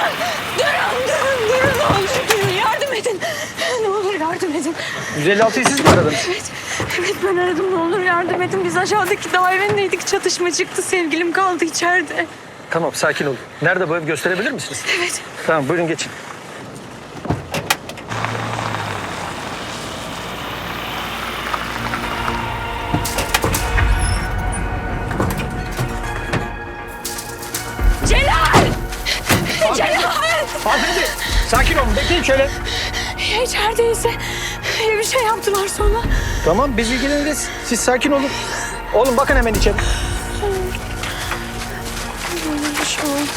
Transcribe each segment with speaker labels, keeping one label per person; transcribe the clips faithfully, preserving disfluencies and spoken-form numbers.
Speaker 1: Durun, durun, durun. Ne olur durun. Yardım edin. Ne olur yardım edin.
Speaker 2: yüz elli altıyı siz mi aradınız?
Speaker 1: Evet, evet ben aradım. Ne olur yardım edin. Biz aşağıdaki dairedeydik. Çatışma çıktı. Sevgilim kaldı içeride.
Speaker 2: Tamam, sakin olun. Nerede bu ev, gösterebilir misiniz?
Speaker 1: Evet.
Speaker 2: Tamam, buyurun geçin.
Speaker 1: Celal! Celal!
Speaker 2: Hanımefendi, sakin olun. Bekleyin şöyle.
Speaker 1: Ya içerideyse bir şey yaptılar sonra.
Speaker 2: Tamam, biz ilgileniriz. Siz sakin olun. Oğlum bakın hemen içeri.
Speaker 1: Böyle bir şey oldu.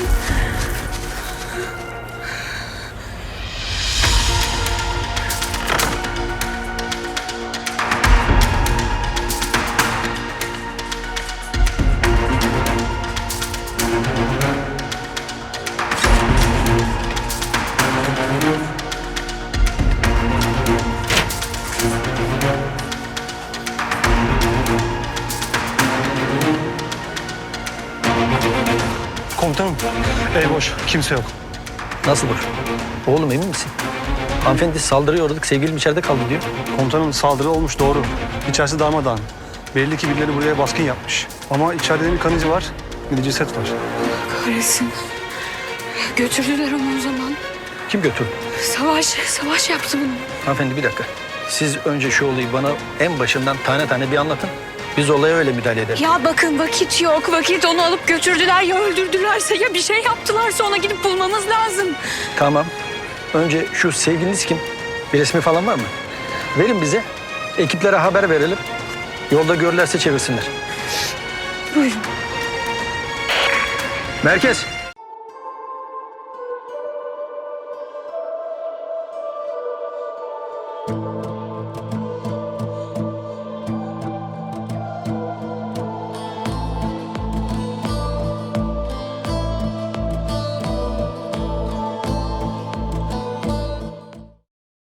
Speaker 3: Komutanım, ev boş. Kimse yok.
Speaker 2: Nasıl boş? Oğlum emin misin? Hanımefendi saldırıya uğradık, sevgilim içeride kaldı diyor.
Speaker 3: Komutanım saldırı olmuş doğru. İçerisi darmadağın. Belli ki birileri buraya baskın yapmış. Ama içeride bir kan izi var, bir de ceset var.
Speaker 1: Kahretsin. Götürdüler onu o zaman.
Speaker 2: Kim götürdü?
Speaker 1: Savaş, savaş yaptı bunu.
Speaker 2: Hanımefendi bir dakika. Siz önce şu olayı bana en başından tane tane bir anlatın. Biz olaya öyle müdahale edelim.
Speaker 1: Ya bakın vakit yok, vakit. Onu alıp götürdüler ya öldürdülerse ya bir şey yaptılarsa ona gidip bulmamız lazım.
Speaker 2: Tamam. Önce şu sevgiliniz kim? Bir resmi falan var mı? Verin bize. Ekiplere haber verelim. Yolda görürlerse çevirsinler.
Speaker 1: Buyurun.
Speaker 2: Merkez.